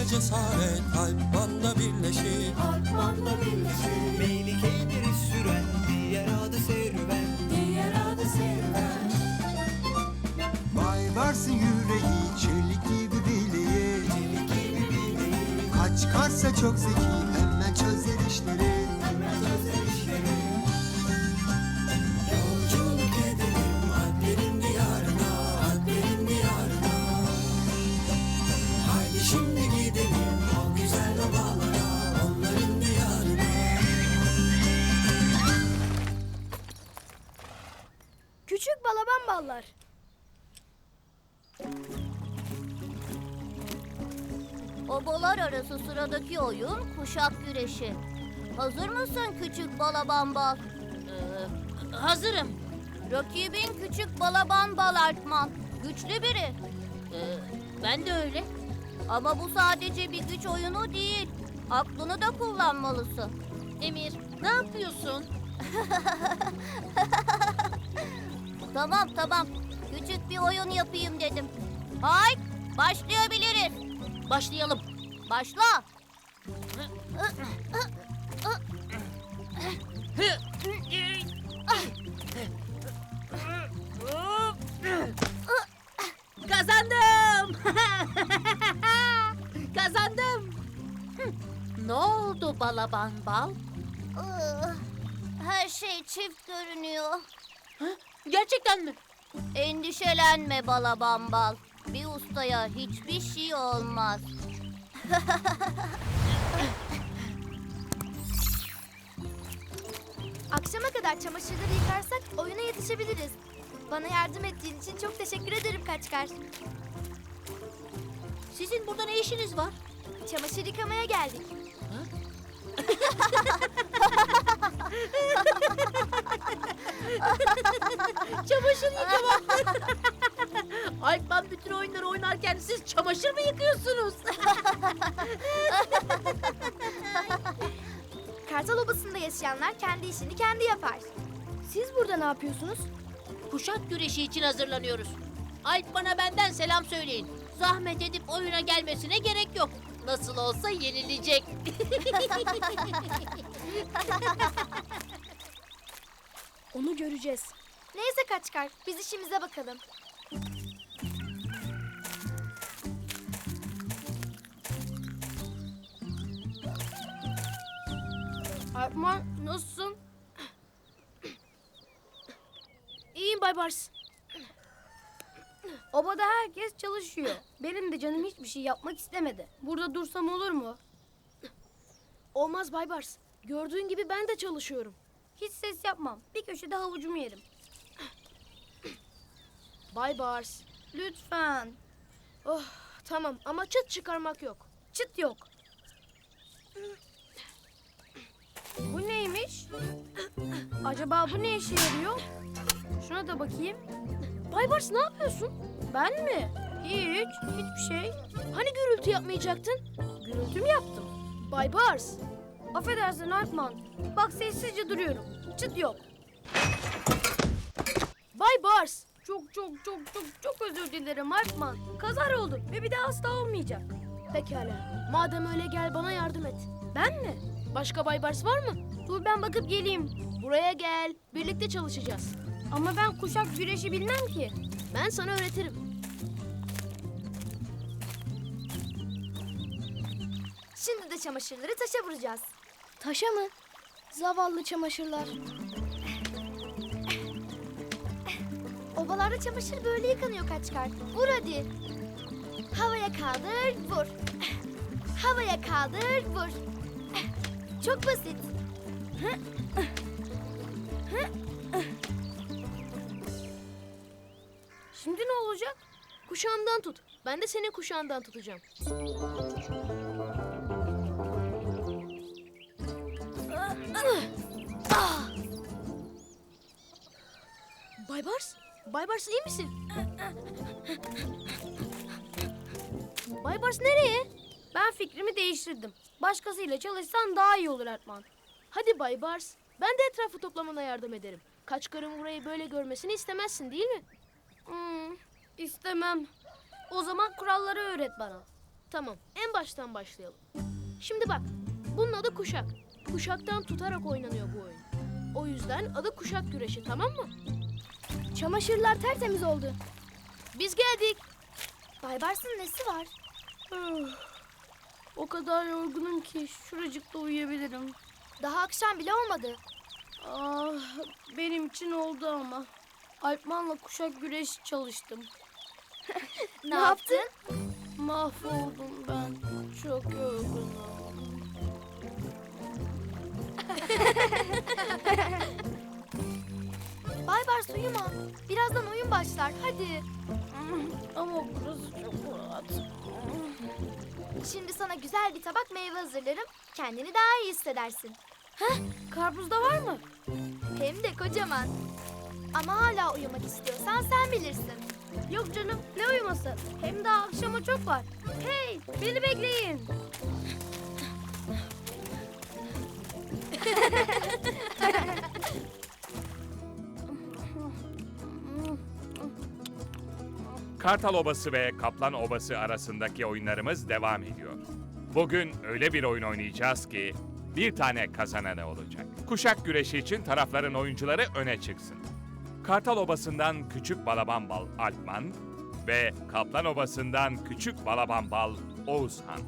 cesaret Alpman'la birleşir. Alpman'la birleşir. Meylikeyleri süren diğer adı serüven. Diğer adı serüven. Baybars'ın yüreği çelik gibi bileği. Çelik gibi bileği. Kaç karsa çok zeki hemen çözer işleri. Hemen çözer işleri. Yolculuk edelim Alplerin diyarına, Alplerin diyarına. Haydi şimdi gidelim o güzel obalara, onların diyarına. Küçük balaban ballar. Obalar arası sıradaki oyun kuşak güreşi. Hazır mısın küçük balaban bal? Hazırım. Rakibin küçük balaban bal Alpman. Güçlü biri. Ben de öyle. Ama bu sadece bir güç oyunu değil. Aklını da kullanmalısın. Emir, ne yapıyorsun? Tamam. Küçük bir oyun yapayım dedim. Haydi başlayabiliriz. Başlayalım. Başla. Kazandım. Kazandım. Ne oldu balaban bal? Her şey çift görünüyor. Gerçekten mi? Endişelenme balaban bal. Bir ustaya hiçbir şey olmaz. Akşama kadar çamaşırları yıkarsak oyuna yetişebiliriz. Bana yardım ettiğin için çok teşekkür ederim Kaçkar. Sizin burada ne işiniz var? Çamaşır yıkamaya geldik. Çamaşır yıkamak. Alpman bütün oyunları oynarken siz çamaşır mı yıkıyorsunuz? Kartal Obası'nda yaşayanlar kendi işini kendi yapar. Siz burada ne yapıyorsunuz? Kuşak güreşi için hazırlanıyoruz. Alpman'a benden selam söyleyin. Zahmet edip oyuna gelmesine gerek yok. Nasıl olsa yenilecek. Onu göreceğiz. Neyse Kaçkar, biz işimize bakalım. Alpman nasılsın? İyiyim Bay Bars. Obada herkes çalışıyor. Benim de canım hiçbir şey yapmak istemedi. Burada dursam olur mu? Olmaz Bay Bars. Gördüğün gibi ben de çalışıyorum. Hiç ses yapmam. Bir köşede havucumu yerim. Bay Bars, lütfen. Oh, tamam ama çıt çıkarmak yok. Çıt yok. Bu neymiş? Acaba bu ne işe yarıyor? Şuna da bakayım. Bay Bars ne yapıyorsun? Ben mi? Hiçbir şey. Hani gürültü yapmayacaktın? Gürültü mü yaptım? Bay Bars. Affedersin Alpman. Bak sessizce duruyorum. Çıt yok. Bay Bars. Çok özür dilerim Alpman. Kazara oldu ve bir daha asla olmayacak. Pekala. Madem öyle gel bana yardım et. Ben mi? Başka Bay Bars var mı? Dur ben bakıp geleyim. Buraya gel. Birlikte çalışacağız. Ama ben kuşak güreşi bilmem ki. Ben sana öğretirim. Şimdi de çamaşırları taşa vuracağız. Taşa mı? Zavallı çamaşırlar. Obalarda çamaşır böyle yıkanıyor Kaçkar. Vur hadi. Havaya kaldır, vur. Havaya kaldır, vur. Çok basit. Şimdi ne olacak? Kuşağımdan tut. Ben de senin kuşağından tutacağım. Bay Bars? Bay Bars iyi misin? Bay Bars nereye? Ben fikrimi değiştirdim. Başkasıyla çalışsan daha iyi olur Ertman. Hadi Bay Bars. Ben de etrafı toplamana yardım ederim. Kaçkarın burayı böyle görmesini istemezsin değil mi? İstemem. O zaman kuralları öğret bana. Tamam, en baştan başlayalım. Şimdi bak, bunun adı kuşak. Kuşaktan tutarak oynanıyor bu oyun. O yüzden adı kuşak güreşi, tamam mı? Çamaşırlar tertemiz oldu. Biz geldik. Baybars'ın nesi var? O kadar yorgunum ki şuracıkta uyuyabilirim. Daha akşam bile olmadı. Ah, benim için oldu ama. Alpman'la kuşak güreşi çalıştım. Ne yaptın? Mahvoldum ben. Çok yorgunum. Baybars uyuma. Birazdan oyun başlar. Hadi. Ama burası çok rahat. Şimdi sana güzel bir tabak meyve hazırlarım. Kendini daha iyi hissedersin. Karpuz da var mı? Hem de kocaman. Ama hala uyumak istiyorsan sen bilirsin. Yok canım, ne uyuması? Hem daha akşama çok var. Hey, beni bekleyin. Kartal Obası ve Kaplan Obası arasındaki oyunlarımız devam ediyor. Bugün öyle bir oyun oynayacağız ki bir tane kazananı olacak. Kuşak güreşi için tarafların oyuncuları öne çıksın. Kartal Obası'ndan Küçük Balabambal Alpman ve Kaplan Obası'ndan Küçük Balabambal Oğuzhan.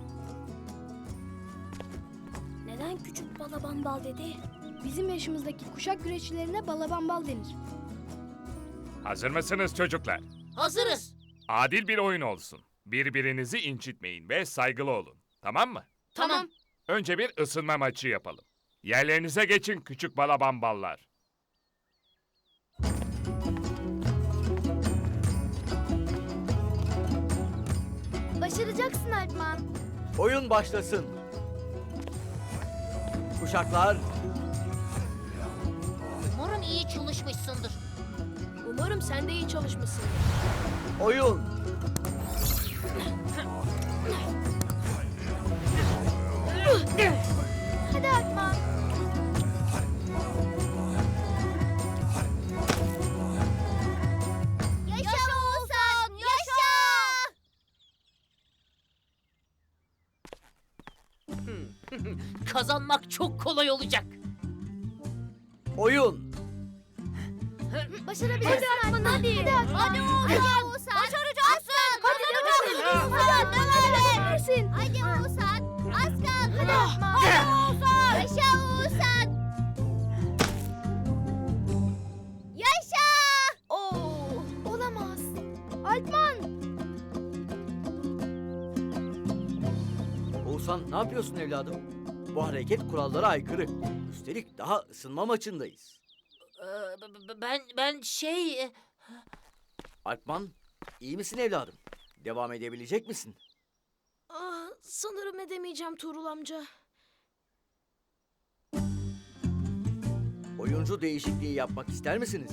Neden küçük balabambal dedi? Bizim yaşımızdaki kuşak güreşçilerine balabambal denir. Hazır mısınız çocuklar? Hazırız. Adil bir oyun olsun. Birbirinizi incitmeyin ve saygılı olun. Tamam mı? Tamam. Önce bir ısınma maçı yapalım. Yerlerinize geçin küçük balabamballar. Başaracaksın Alpman. Oyun başlasın. Kuşaklar, Umarım iyi çalışmışsındır. Umarım sen de iyi çalışmışsın. oyun. Hadi Alpman. Yaşa Oğuzhan, yaşa! Kazanmak çok kolay olacak. Oyun. Başarabilirsin Alpman. Hadi. Hadi Oğuzhan, başaracaksın. Kazanacaksın. Oğuzhan, devam et. Hadi Oğuzhan, az kaldı. Hadi Alpman. Hadi Oğuzhan. Yaşa Oğuzhan. Yaşa! Oo, olamaz. Alpman. Oğuzhan ne yapıyorsun evladım? Bu hareket kurallara aykırı. Üstelik daha ısınma maçındayız. Ben şey... Alpman, iyi misin evladım? Devam edebilecek misin? Ah, sanırım edemeyeceğim Tuğrul amca. Oyuncu değişikliği yapmak ister misiniz?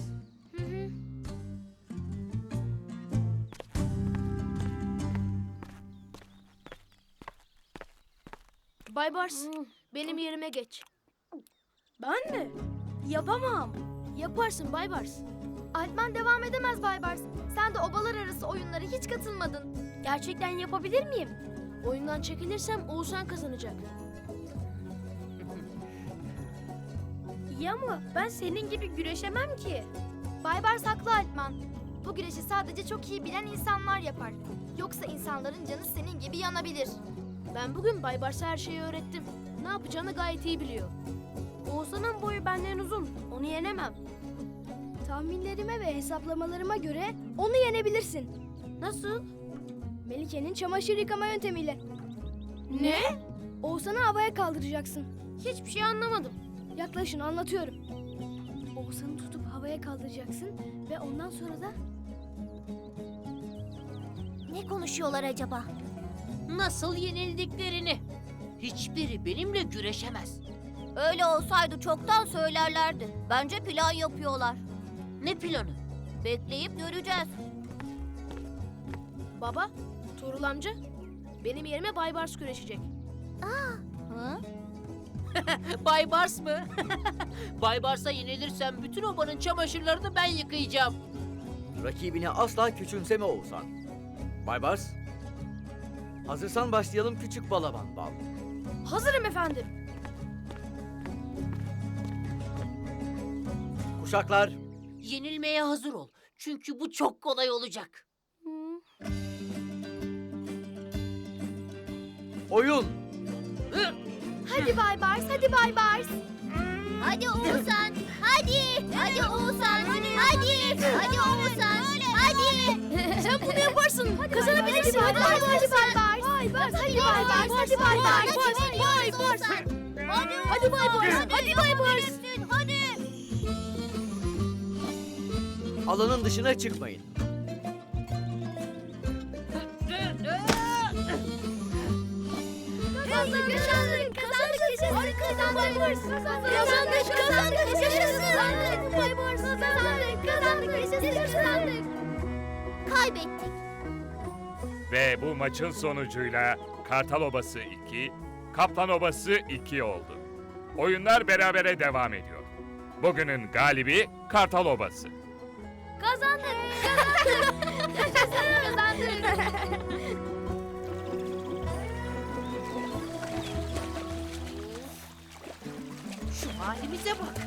Baybars, benim yerime geç. Ben mi? Yapamam. Yaparsın Baybars. Alpman devam edemez Baybars. Sen de obalar arası oyunlara hiç katılmadın. Gerçekten yapabilir miyim? Oyundan çekilirsem Oğuzhan kazanacak. İyi ama ben senin gibi güreşemem ki. Baybars haklı Alpman. Bu güreşi sadece çok iyi bilen insanlar yapar. Yoksa insanların canı senin gibi yanabilir. Ben bugün Baybars'a her şeyi öğrettim. Ne yapacağını gayet iyi biliyor. Oğuzhan'ın boyu benden uzun. Onu yenemem. Tahminlerime ve hesaplamalarıma göre onu yenebilirsin. Nasıl? Melike'nin çamaşır yıkama yöntemiyle. Ne? Oğuzhan'ı havaya kaldıracaksın. Hiçbir şey anlamadım. Yaklaşın anlatıyorum. Oğuzhan'ı tutup havaya kaldıracaksın ve ondan sonra da... Ne konuşuyorlar acaba? Nasıl yenildiklerini. Hiçbiri benimle güreşemez. Öyle olsaydı çoktan söylerlerdi. Bence plan yapıyorlar. Ne planı? Bekleyip göreceğiz. Baba, Tuğrul amca, benim yerime Baybars güreşecek. Hı? Baybars mı? Baybars'a yenilirsem bütün obanın çamaşırlarını ben Hazırsan başlayalım küçük balaban bal. Hazırım efendim. Kuşaklar, Yenilmeye hazır ol. Çünkü bu çok kolay olacak. oyun. Hadi Baybars, hadi Baybars. Hadi Oğuzhan. Hadi. Hadi Oğuzhan. Hadi. Hadi Oğuzhan. Hadi. Sen bunu yaparsın. Kazanabilirsin. Hadi Baybars, hadi Baybars. Hadi Baybars, hadi Baybars. Baybars. Hadi Baybars. Hadi Baybars. Hadi. Alanın dışına çıkmayın. Kazandık, kazandık, kazandık, kazandık, kazandık, yaşasın. Baybars, kazandık, kazandık, yaşasın. Kaybettik. Ve bu maçın sonucuyla Kartal Obası 2, Kaplan Obası 2 oldu. Oyunlar berabere devam ediyor. Bugünün galibi Kartal Obası. Kazandık, kazandık, yaşasın, kazandık. Şu halimize bak.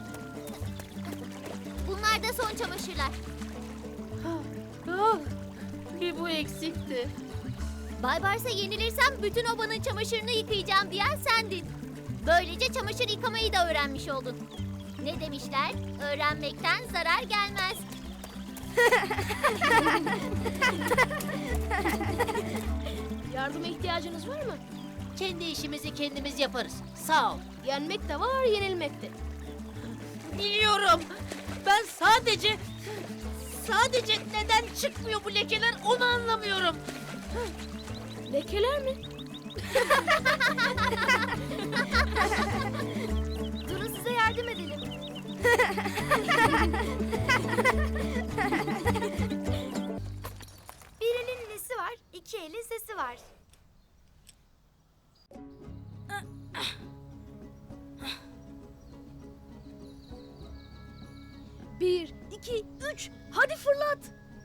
Bunlar da son çamaşırlar. Ah, bir bu eksikti. Baybars'a yenilirsem bütün obanın çamaşırını yıkayacağım diyen sendin. Böylece çamaşır yıkamayı da öğrenmiş oldun. Ne demişler? Öğrenmekten zarar gelmez. Yardıma ihtiyacınız var mı? Kendi işimizi kendimiz yaparız. Sağ ol. Yenmek de var, yenilmek de. Biliyorum. Ben sadece neden çıkmıyor bu lekeler onu anlamıyorum. Lekeler mi? Durun size yardım edelim. Bir elin nesi var, iki elin sesi var. Bir, iki, üç. Hadi fırlat.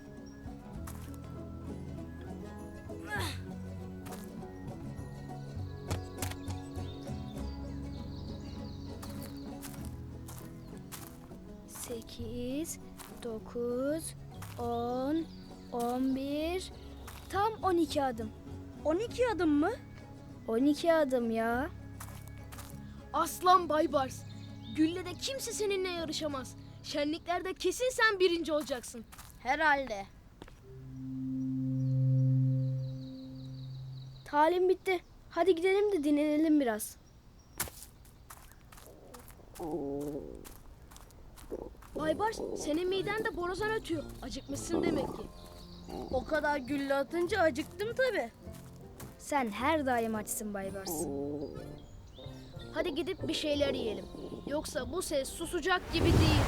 Sekiz, 9, 10, 11, tam 12 adım. 12 adım mı? 12 adım ya. Aslan Baybars. Güllede kimse seninle yarışamaz. Şenliklerde kesin sen birinci olacaksın. Herhalde. Talim bitti. Hadi gidelim de dinlenelim biraz. Baybars, senin miden de borazan ötüyor. Acıkmışsın demek ki. O kadar gülle atınca acıktım tabii. Sen her daim açsın Baybars. Hadi gidip bir şeyler yiyelim. Yoksa bu ses susacak gibi değil.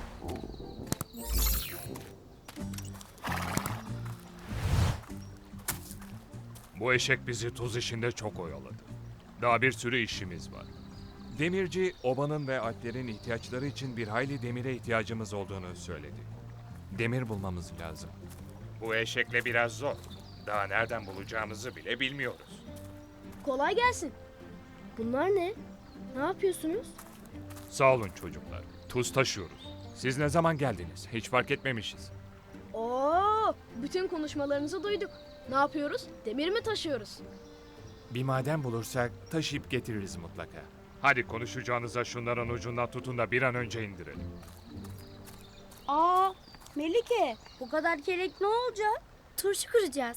Bu eşek bizi tuz işinde çok oyaladı. Daha bir sürü işimiz var. Demirci, obanın ve alplerin ihtiyaçları için bir hayli demire ihtiyacımız olduğunu söyledi. Demir bulmamız lazım. Bu eşekle biraz zor. Daha nereden bulacağımızı bile bilmiyoruz. Kolay gelsin. Bunlar ne? Ne yapıyorsunuz? Sağ olun çocuklar. Tuz taşıyoruz. Siz ne zaman geldiniz? Hiç fark etmemişiz. Oo, bütün konuşmalarınızı duyduk. Ne yapıyoruz? Demir mi taşıyoruz? Bir maden bulursak taşıyıp getiririz mutlaka. Hadi konuşacağınıza şunların ucundan tutun da bir an önce indirelim. Aa, Melike, bu kadar kelek ne olacak? Turşu kuracağız.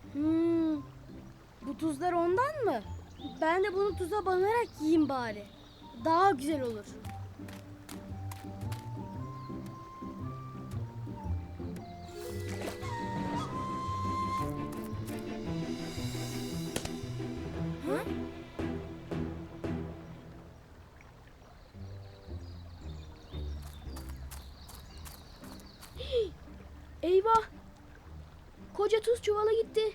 Bu tuzlar ondan mı? Ben de bunu tuza banarak yiyeyim bari. Daha güzel olur. Eyvah! Koca tuz çuvala gitti.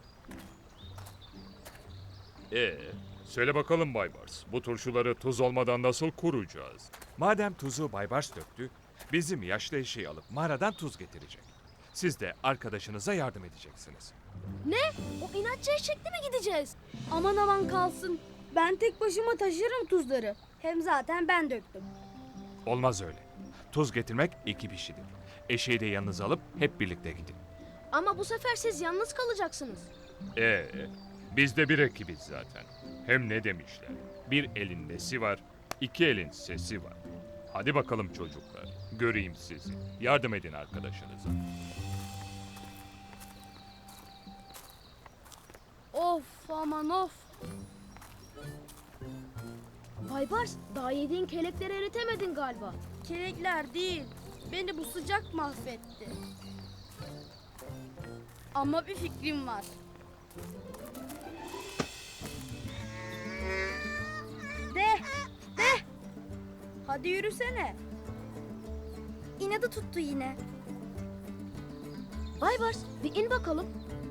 Söyle bakalım Baybars, bu turşuları tuz olmadan nasıl kuracağız? Madem tuzu Baybars döktü, bizim yaşlı eşeği alıp mağaradan tuz getirecek. Siz de arkadaşınıza yardım edeceksiniz. Ne? O inatçı eşekle mi gideceğiz? Aman aman kalsın. Ben tek başıma taşırım tuzları. Hem zaten ben döktüm. Olmaz öyle. Tuz getirmek 2 kişidir. Eşeği de yanınıza alıp hep birlikte gidin. Ama bu sefer siz yalnız kalacaksınız. Biz de bir ekibiz zaten. Hem ne demişler? Bir elin nesi var, 2 elin sesi var. Hadi bakalım çocuklar, göreyim sizi. Yardım edin arkadaşınıza. Of aman of. Baybars, daha yediğin kelekleri eritemedin galiba. Kelekler değil, beni bu sıcak mahvetti. Ama bir fikrim var. De. Hadi yürüsene. İnadı tuttu yine. Baybars, bir in bakalım.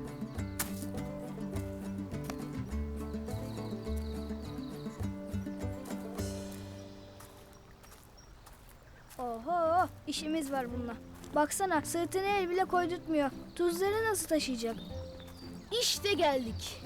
Oho, işimiz var bununla. Baksana, sırtını el bile koydurtmuyor. Tuzları nasıl taşıyacak? İşte geldik.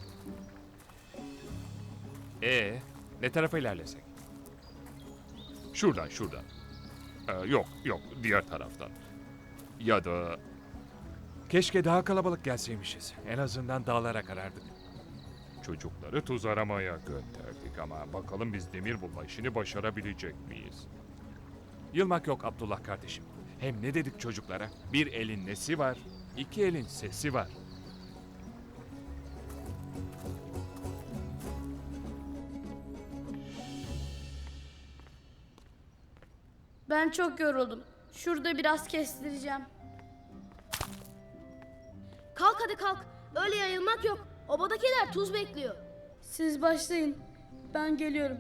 Ne tarafa ilerlesek? Şuradan. Yok, diğer taraftan. Ya da... Keşke daha kalabalık gelseymişiz. En azından dağlara karardık. Çocukları tuz aramaya gönderdik ama bakalım biz demir bulma işini başarabilecek miyiz? Yılmak yok Abdullah kardeşim. Hem ne dedik çocuklara? Bir elin nesi var, 2 elin sesi var. Ben çok yoruldum. Şurada biraz kestireceğim. Kalk hadi kalk. Öyle yayılmak yok. Obadakiler tuz bekliyor. Siz başlayın. Ben geliyorum.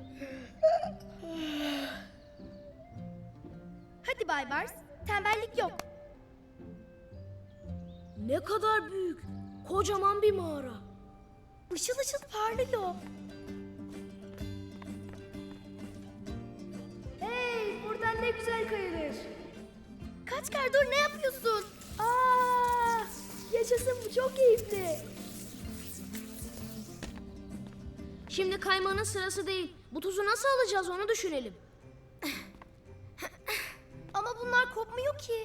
Hadi Baybars, tembellik yok. Ne kadar büyük. Kocaman bir mağara. Işıl ışıl parlıyor. Hey, buradan ne güzel kayılır. Kaçkar dur, ne yapıyorsun? Aa, yaşasın, bu çok keyifli. Şimdi kaymanın sırası değil. Bu tuzu nasıl alacağız onu düşünelim. Ama bunlar kopmuyor ki.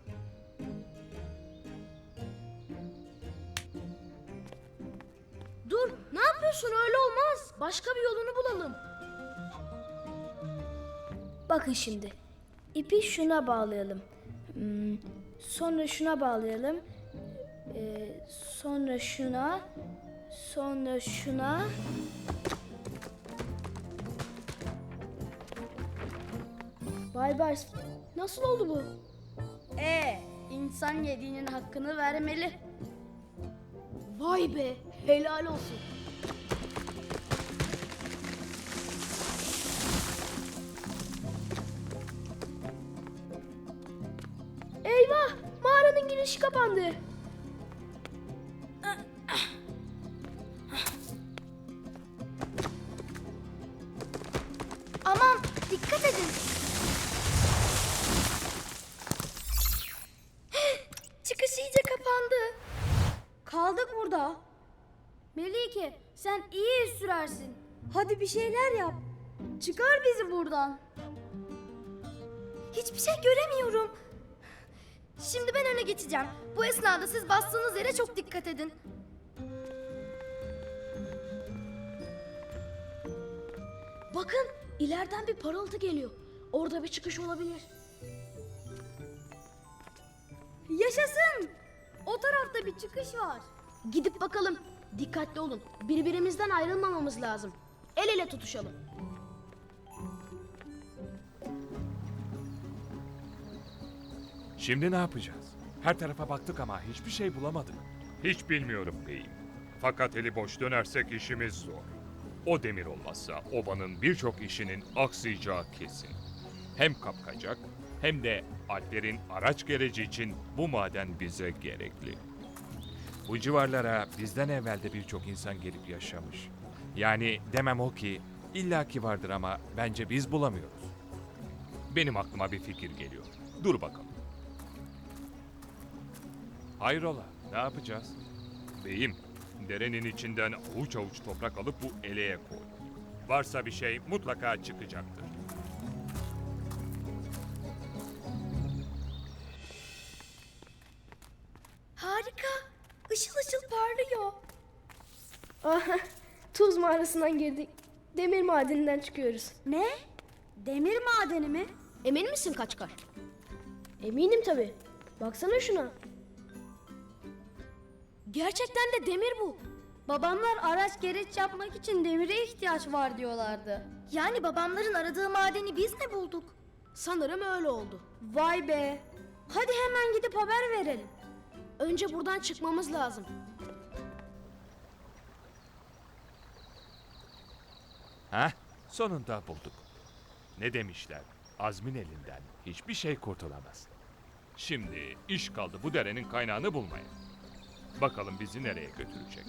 Dur, ne yapıyorsun? Öyle olmaz. Başka bir yolunu bulalım. Bakın şimdi. İpi şuna bağlayalım. Sonra şuna bağlayalım. Sonra şuna. Sonra şuna. Baybars, Nasıl oldu bu? İnsan yediğinin hakkını vermeli. Vay be, helal olsun. eyvah, mağaranın girişi kapandı. Aman, dikkat edin. Çıkış iyice kapandı. Kaldık burada. Melike, sen iyi iz sürersin. Hadi bir şeyler yap. Çıkar bizi buradan. Hiçbir şey göremiyorum. Şimdi ben öne geçeceğim. Bu esnada siz bastığınız yere çok dikkat edin. Bakın, ileriden bir parıltı geliyor. Orada bir çıkış olabilir. Yaşasın. O tarafta bir çıkış var. Gidip bakalım. Dikkatli olun. Birbirimizden ayrılmamamız lazım. El ele tutuşalım. Şimdi ne yapacağız? Her tarafa baktık ama hiçbir şey bulamadık. Hiç bilmiyorum beyim. Fakat eli boş dönersek işimiz zor. O demir olmazsa obanın birçok işinin aksayacağı kesin. Hem kapkacak hem de Alplerin araç gereci için bu maden bize gerekli. Bu civarlara bizden evvel de birçok insan gelip yaşamış. Yani demem o ki illaki vardır ama bence biz bulamıyoruz. Benim aklıma bir fikir geliyor. Dur bakalım. Hayrola, ne yapacağız? Beyim, derenin içinden avuç avuç toprak alıp bu eleğe koy. Varsa bir şey mutlaka çıkacaktır. Harika. Işıl ışıl parlıyor. Tuz mağarasından girdik. Demir madeninden çıkıyoruz. Ne? Demir madeni mi? Emin misin Kaçkar? Eminim tabii. Baksana şuna. Gerçekten de demir bu. Babamlar araç gereç yapmak için demire ihtiyaç var diyorlardı. Yani babamların aradığı madeni biz mi bulduk? Sanırım öyle oldu. Vay be. Hadi hemen gidip haber verelim. Önce buradan çıkmamız lazım. Heh, sonunda bulduk. Ne demişler? Azmin elinden hiçbir şey kurtulamaz. Şimdi iş kaldı bu derenin kaynağını bulmaya. Bakalım bizi nereye götürecek?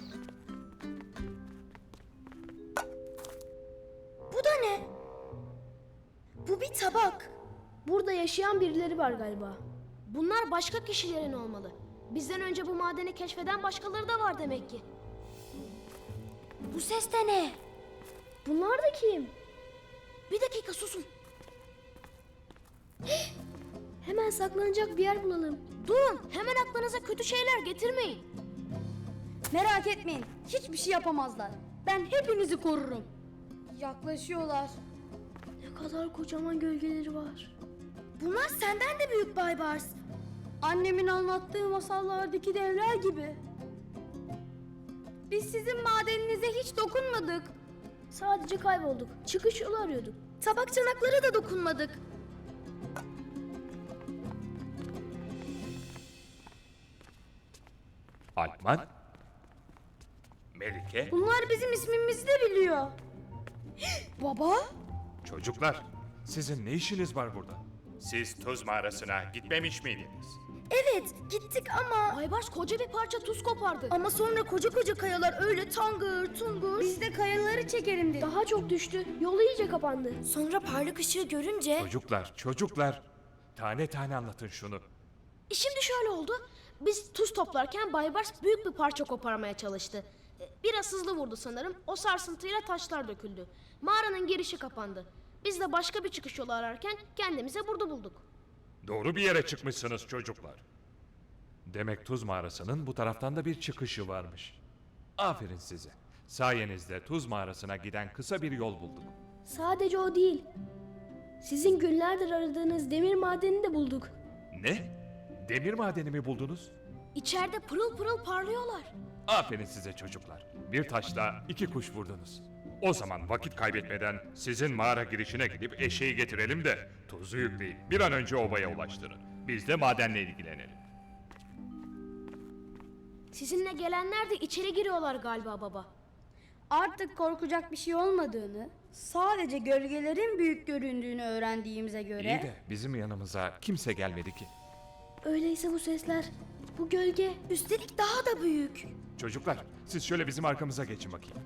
Bu da ne? Bu bir tabak. Burada yaşayan birileri var galiba. Bunlar başka kişilerin olmalı. Bizden önce bu madeni keşfeden başkaları da var demek ki. Bu ses de ne? Bunlar da kim? Bir dakika susun. Hemen saklanacak bir yer bulalım. Durun, hemen aklınıza kötü şeyler getirmeyin. Merak etmeyin. Hiçbir şey yapamazlar. Ben hepinizi korurum. Yaklaşıyorlar. Ne kadar kocaman gölgeleri var. Bunlar senden de büyük Baybars. Annemin anlattığı masallardaki devler gibi. Biz sizin madeninize hiç dokunmadık. Sadece kaybolduk. Çıkış yolu arıyorduk. Tabak çanaklara da dokunmadık. Alpman? Melike? Bunlar bizim ismimizi de biliyor. Baba? Çocuklar, sizin ne işiniz var burada? Siz tuz mağarasına gitmemiş miydiniz? Evet gittik ama... Baybars koca bir parça tuz kopardı. Ama sonra koca koca kayalar öyle tangır tungur. Biz de kayaları çekelim dedik. Daha çok düştü. Yolu iyice kapandı. Sonra parlak ışığı görünce... Çocuklar. Tane tane anlatın şunu. Şimdi şöyle oldu. Biz tuz toplarken Baybars büyük bir parça koparmaya çalıştı. Biraz hızlı vurdu sanırım. O sarsıntıyla taşlar döküldü. Mağaranın girişi kapandı. Biz de başka bir çıkış yolu ararken kendimize burada bulduk. Doğru bir yere çıkmışsınız çocuklar. Demek tuz mağarasının bu taraftan da bir çıkışı varmış. Aferin size. Sayenizde tuz mağarasına giden kısa bir yol bulduk. Sadece o değil. Sizin günlerdir aradığınız demir madenini de bulduk. Ne? Demir madeni mi buldunuz? İçeride pırıl pırıl parlıyorlar. Aferin size çocuklar. Bir taşla iki kuş vurdunuz. O zaman vakit kaybetmeden sizin mağara girişine gidip eşeği getirelim de tuzu yükleyin. Bir an önce obaya ulaştırın. Biz de madenle ilgilenelim. Sizinle gelenler de içeri giriyorlar galiba baba. Artık korkacak bir şey olmadığını, sadece gölgelerin büyük göründüğünü öğrendiğimize göre... İyi de bizim yanımıza kimse gelmedi ki. Öyleyse bu sesler, bu gölge... Üstelik daha da büyük. Çocuklar, siz şöyle bizim arkamıza geçin bakayım.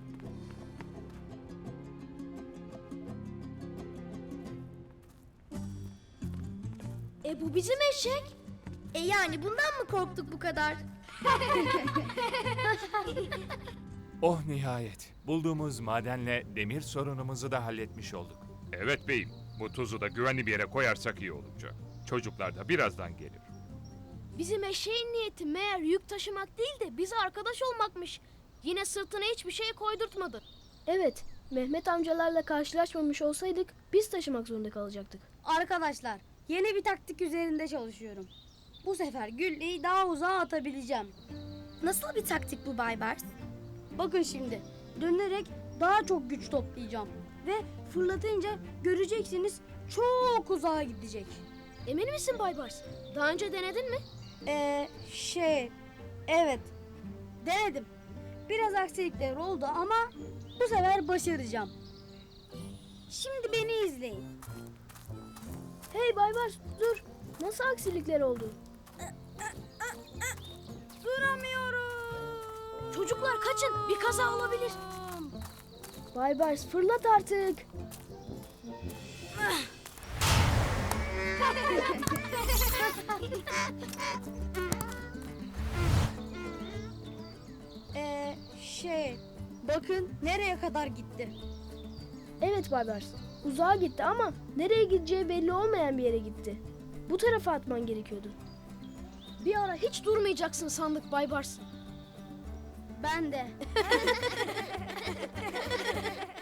Bu bizim eşek. Yani bundan mı korktuk bu kadar? Oh nihayet. Bulduğumuz madenle demir sorunumuzu da halletmiş olduk. Evet beyim. Bu tuzu da güvenli bir yere koyarsak iyi olacak. Çocuklar da birazdan gelir. Bizim eşeğin niyeti meğer yük taşımak değil de bize arkadaş olmakmış. Yine sırtına hiçbir şey koydurtmadı. Evet, Mehmet amcalarla karşılaşmamış olsaydık biz taşımak zorunda kalacaktık. Arkadaşlar, yeni bir taktik üzerinde çalışıyorum. Bu sefer gülleyi daha uzağa atabileceğim. Nasıl bir taktik bu Baybars? Bakın şimdi, dönerek daha çok güç toplayacağım. Ve fırlatınca göreceksiniz çok uzağa gidecek. Emin misin Baybars? Daha önce denedin mi? Evet, denedim. Biraz aksilikler oldu ama bu sefer başaracağım. Şimdi beni izleyin. Hey Baybars dur. Nasıl aksilikler oldu? Duramıyorum. Çocuklar kaçın. Bir kaza olabilir. Baybars fırlat artık. Bakın nereye kadar gitti. Evet Baybars. Uzağa gitti ama nereye gideceği belli olmayan bir yere gitti. Bu tarafa atman gerekiyordu. Bir ara hiç durmayacaksın sandık Baybars. Ben de.